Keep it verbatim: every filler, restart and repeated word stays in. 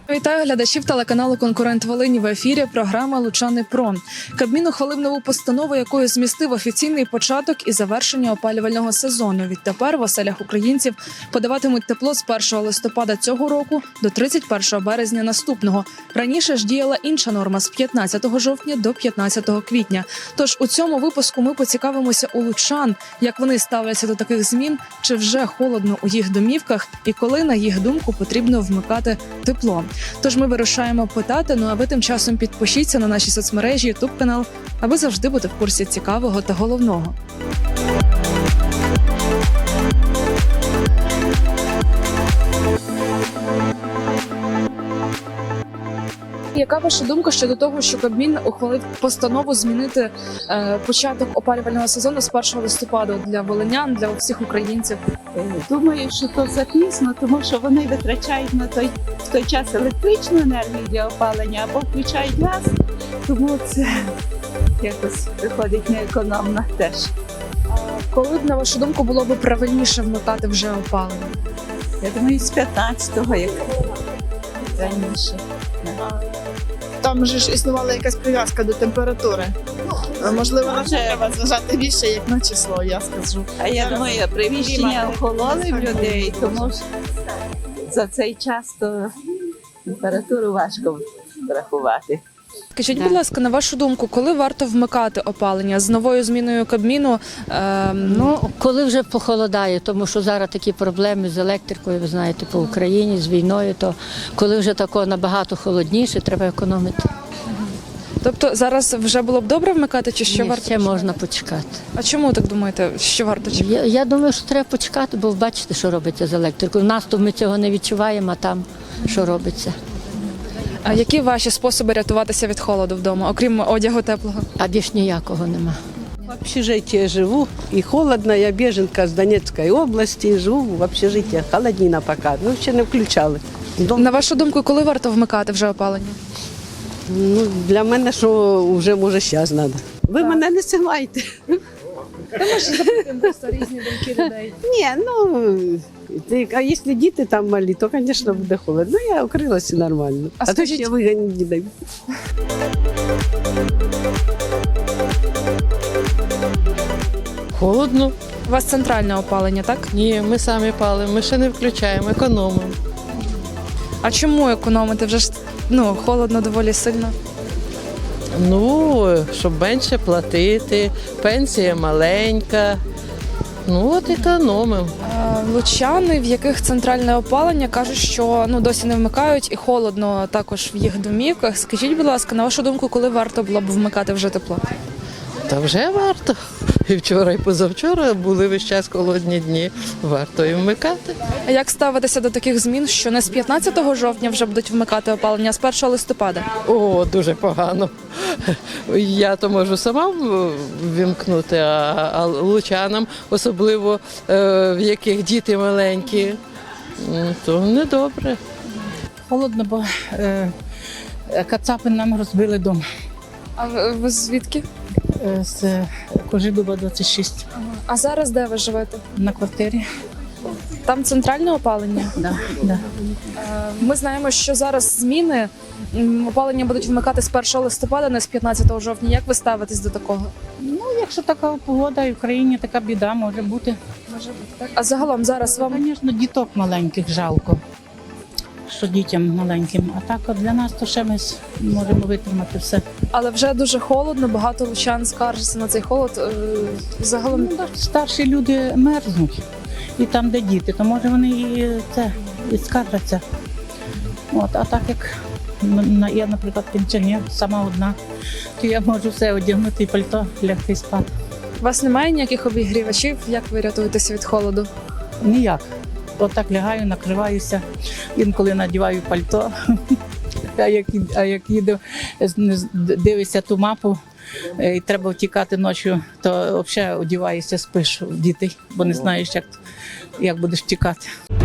Вітаю глядачів телеканалу «Конкурент Волині». В ефірі програма «Лучани Про». Кабмін ухвалив нову постанову, якою змістив офіційний початок і завершення опалювального сезону. Відтепер в оселях українців подаватимуть тепло з першого листопада цього року до тридцять першого березня наступного. Раніше ж діяла інша норма – з п'ятнадцятого жовтня до п'ятнадцятого квітня. Тож у цьому випуску ми поцікавимося у лучан, як вони ставляться до таких змін, чи вже холодно у їх домівках і коли, на їх думку, потрібно вмикати тепло. Тож ми вирушаємо питати, ну а ви тим часом підпишіться на наші соцмережі, ютуб-канал, аби завжди бути в курсі цікавого та головного. Яка ваша думка щодо того, що Кабмін ухвалив постанову змінити е, початок опалювального сезону з першого листопада для волинян, для всіх українців? Думаю, що то запізно, тому що вони витрачають на той в той час електричну енергію для опалення або включають газ, тому це якось виходить неекономно теж. Коли б, на вашу думку, було б правильніше вмикати вже опалення? Я думаю, з п'ятнадцятого, як раніше. Там же ж існувала якась прив'язка до температури. Можливо, на це треба зважати більше, як на число, я скажу. А я думаю, приміщення охололи в людей, тому що за цей час то температуру важко врахувати. Скажіть, будь ласка, на вашу думку, коли варто вмикати опалення? З новою зміною Кабміну? Е, Ну, коли вже похолодає, тому що зараз такі проблеми з електрикою, ви знаєте, по Україні, з війною, то коли вже тако набагато холодніше, треба економити. тобто зараз вже було б добре вмикати, чи ще Ні, варто? ще можна почекати. А чому так думаєте, що варто чекати? Я, я думаю, що треба почекати, бо бачите, що робиться з електрикою. У нас то ми цього не відчуваємо, а там що робиться. А які ваші способи рятуватися від холоду вдома, окрім одягу теплого? А більш ніякого нема. В общежитии живу, и холодно, я беженка с Донецкой области, живу в общежитии, холоднина пока, ну ще не включали. Дом, На вашу думку, коли варто вмикати вже опалення? ну, для мене, що вже може зараз треба. Ви мене не силайте. Просто різні думки людей. Ні, ну, ти- а якщо діти там малі, то, звісно, буде холодно. Ну, я укрилася нормально. А А, то скажіть- ще виганять дітей. Холодно? У вас центральне опалення, так? Ні, ми самі палимо, ми ще не включаємо, економимо. А чому економити? Вже ж ну, холодно доволі сильно. Ну, щоб менше платити, пенсія маленька. Ну от економимо. Е, Лучани, в яких центральне опалення, кажуть, що ну, досі не вмикають і холодно також в їх домівках. Скажіть, будь ласка, на вашу думку, коли варто було б вмикати вже тепло? Та вже варто. І вчора, і позавчора були весь час холодні дні. Варто і вмикати. А як ставитися до таких змін, що не з п'ятнадцятого жовтня вже будуть вмикати опалення, а з першого листопада? О, дуже погано. Я то можу сама вімкнути, а, а лучанам, особливо е, в яких діти маленькі, м, то недобре. Холодно, бо е, кацапи нам розбили дом А ви, ви звідки? е, з Кожедуба двадцять шість А зараз де ви живете? на квартирі. Там центральне опалення? Да, да. Е, Ми знаємо, що зараз зміни м, опалення будуть вмикати з першого листопада, не з п'ятнадцятого жовтня. Як ви ставитесь до такого? Ну, якщо така погода і в країні така біда може бути. Може бути так. А загалом зараз вам Звісно, діток маленьких жалко, що дітям маленьким. А так от для нас то ще ми с- можемо витримати все. але вже дуже холодно, багато лучан скаржаться на цей холод. Е, Загалом Ну, так, старші люди мерзнуть. І там, де діти, то може вони і це і скаржаться. От, а так як м, на- я, наприклад, пенсіонер, сама одна, то я можу все одягнути і пальто, лягти і спати. у вас немає ніяких обігрівачів? Як ви рятуєтеся від холоду? Ніяк. От так лягаю, накриваюся, інколи надіваю пальто. А як, а як їду, з- дивишся ту мапу, е, і треба втікати ночі, то взагалі одіваєшся, спиш в дітей, бо не знаєш, як, як будеш втікати.